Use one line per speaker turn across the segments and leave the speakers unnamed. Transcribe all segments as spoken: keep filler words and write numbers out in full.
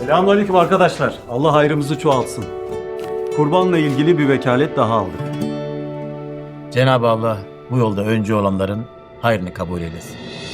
Selamünaleyküm arkadaşlar. Allah hayrımızı çoğaltsın. Kurbanla ilgili bir vekalet daha aldık.
Cenab-ı Allah bu yolda öncü olanların hayrını kabul eylesin.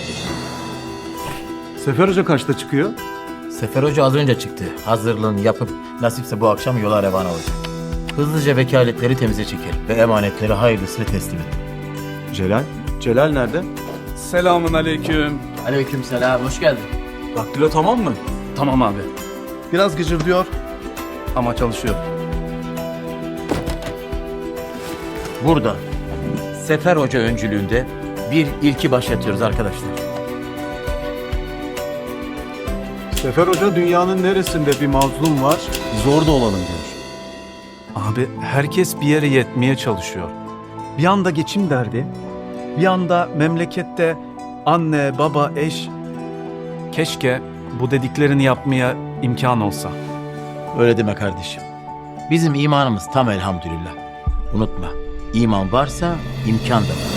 Sefer Hoca kaçta çıkıyor?
Sefer Hoca az önce çıktı. Hazırlığını yapıp nasipse bu akşam yola revan olacak. Hızlıca vekaletleri temize çekelim ve emanetleri hayırlısıyla teslim edin.
Celal? Celal nerede?
Selamun aleyküm.
Aleykümselam, hoş geldin.
Daktilo tamam mı? Tamam abi. Biraz gıcırdıyor ama çalışıyor.
Burada Sefer Hoca öncülüğünde bir ilki başlatıyoruz arkadaşlar.
Sefer Hoca dünyanın neresinde bir mazlum var, zor da olalım diyor.
Abi herkes bir yere yetmeye çalışıyor. Bir yanda geçim derdi, bir yanda memlekette anne, baba, eş. Keşke bu dediklerini yapmaya imkan olsa.
Öyle deme kardeşim. Bizim imanımız tam elhamdülillah. Unutma, iman varsa imkan da var.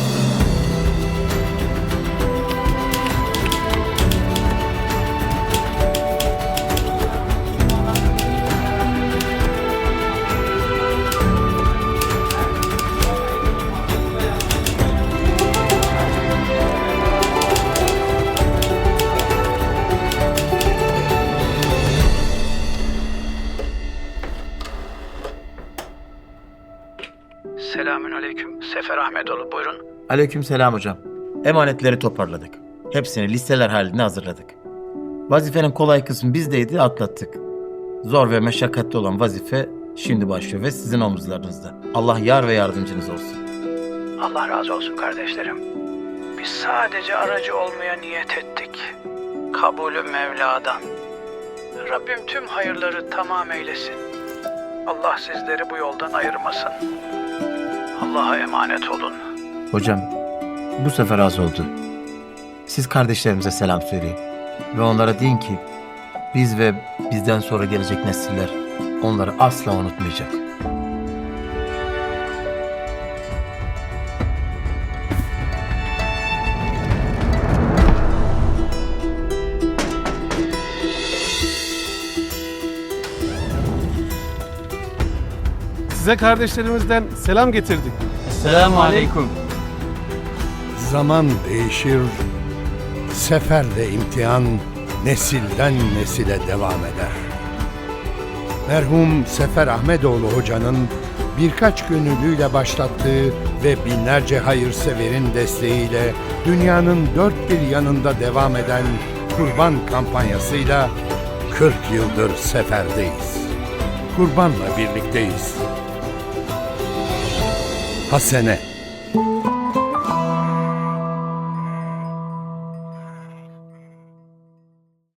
Selamünaleyküm. Sefer Ahmetoğlu buyurun.
Aleykümselam hocam. Emanetleri toparladık. Hepsini listeler halinde hazırladık. Vazifenin kolay kısmı bizdeydi, atlattık. Zor ve meşakkatli olan vazife şimdi başlıyor ve sizin omuzlarınızda. Allah yar ve yardımcınız olsun.
Allah razı olsun kardeşlerim. Biz sadece aracı olmaya niyet ettik. Kabulü Mevla'dan. Rabbim tüm hayırları tamam eylesin. Allah sizleri bu yoldan ayırmasın. Allah'a emanet olun.
Hocam, bu sefer az oldu. Siz kardeşlerimize selam söyleyin. Ve onlara deyin ki, biz ve bizden sonra gelecek nesiller onları asla unutmayacak.
Size kardeşlerimizden selam getirdik.
Selamun aleyküm.
Zaman değişir, sefer ve imtihan nesilden nesile devam eder. Merhum Sefer Ahmetoğlu Hoca'nın birkaç gönüllüyle başlattığı ve binlerce hayırseverin desteğiyle dünyanın dört bir yanında devam eden kurban kampanyasıyla kırk yıldır seferdeyiz. Kurbanla birlikteyiz. Hasene